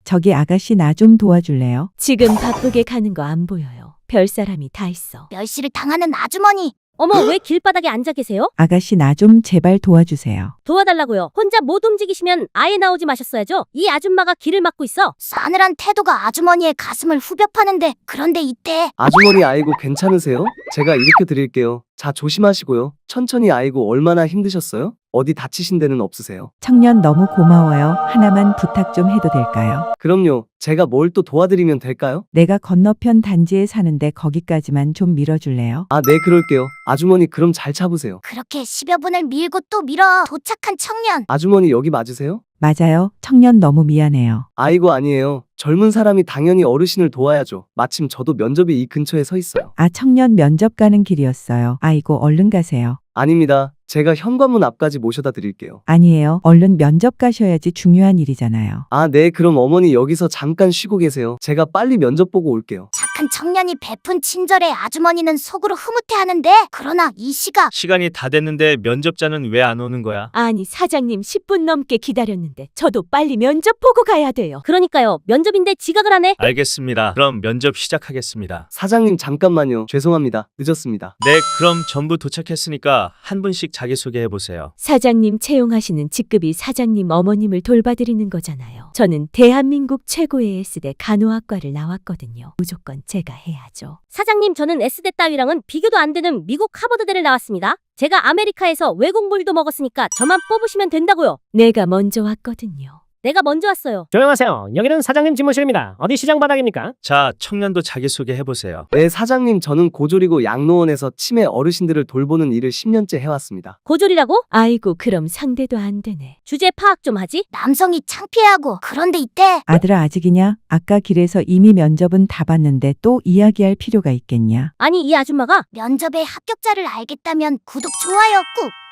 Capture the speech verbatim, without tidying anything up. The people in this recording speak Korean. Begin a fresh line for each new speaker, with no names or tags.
저기 아가씨 나 좀 도와줄래요?
지금 바쁘게 가는 거 안 보여요. 별 사람이 다 있어.
멸시를 당하는 아주머니.
어머, 왜 길바닥에 앉아 계세요?
아가씨 나 좀 제발 도와주세요.
도와달라고요. 혼자 못 움직이시면 아예 나오지 마셨어야죠. 이 아줌마가 길을 막고 있어.
싸늘한 태도가 아주머니의 가슴을 후벼 파는데, 그런데 이때
아주머니 아이고 괜찮으세요? 제가 일으켜 드릴게요. 자, 조심하시고요. 천천히. 아이고 얼마나 힘드셨어요? 어디 다치신 데는 없으세요?
청년 너무 고마워요. 하나만 부탁 좀 해도 될까요?
그럼요. 제가 뭘 또 도와드리면 될까요?
내가 건너편 단지에 사는데 거기까지만 좀 밀어줄래요?
아, 네, 그럴게요. 아주머니 그럼 잘 잡으세요.
그렇게 십여 분을 밀고 또 밀어 도착한 청년.
아주머니 여기 맞으세요?
맞아요. 청년 너무 미안해요.
아이고 아니에요. 젊은 사람이 당연히 어르신을 도와야죠. 마침 저도 면접이 이 근처에 서 있어요.
아, 청년 면접 가는 길이었어요. 아이고, 얼른 가세요.
아닙니다. 제가 현관문 앞까지 모셔다 드릴게요.
아니에요. 얼른 면접 가셔야지 중요한 일이잖아요.
아, 네, 그럼 어머니 여기서 잠깐 쉬고 계세요. 제가 빨리 면접 보고 올게요.
착한 청년이 베푼 친절에 아주머니는 속으로 흐뭇해하는데, 그러나 이 시각
시간이 다 됐는데 면접자는 왜 안 오는 거야?
아니, 사장님 십 분 넘게 기다렸는데 저도 빨리 면접 보고 가야 돼요.
그러니까요. 면접인데 지각을 하네.
알겠습니다. 그럼 면접 시작하겠습니다.
사장님 잠깐만요. 죄송합니다. 늦었습니다.
네, 그럼 전부 도착했으니까 한 분씩 자기소개해 보세요.
사장님 채용하시는 직급이 사장님 어머님을 돌봐드리는 거잖아요. 저는 대한민국 최고의 S대 간호학과를 나왔거든요. 무조건 제가 해야죠.
사장님, 저는 S대 따위랑은 비교도 안 되는 미국 하버드대를 나왔습니다. 제가 아메리카에서 외국물도 먹었으니까 저만 뽑으시면 된다고요.
내가 먼저 왔거든요.
내가 먼저 왔어요.
조용하세요. 여기는 사장님 집무실입니다. 어디 시장 바닥입니까?
자, 청년도 자기소개해 보세요.
네, 사장님 저는 고졸이고 양로원에서 치매 어르신들을 돌보는 일을 십 년째 해왔습니다.
고졸이라고?
아이고, 그럼 상대도 안 되네.
주제 파악 좀 하지.
남성이 창피해하고, 그런데 이때
아들아, 아직이냐? 아까 길에서 이미 면접은 다 봤는데 또 이야기할 필요가 있겠냐?
아니, 이 아줌마가
면접의 합격자를 알겠다면 구독, 좋아요 꾹.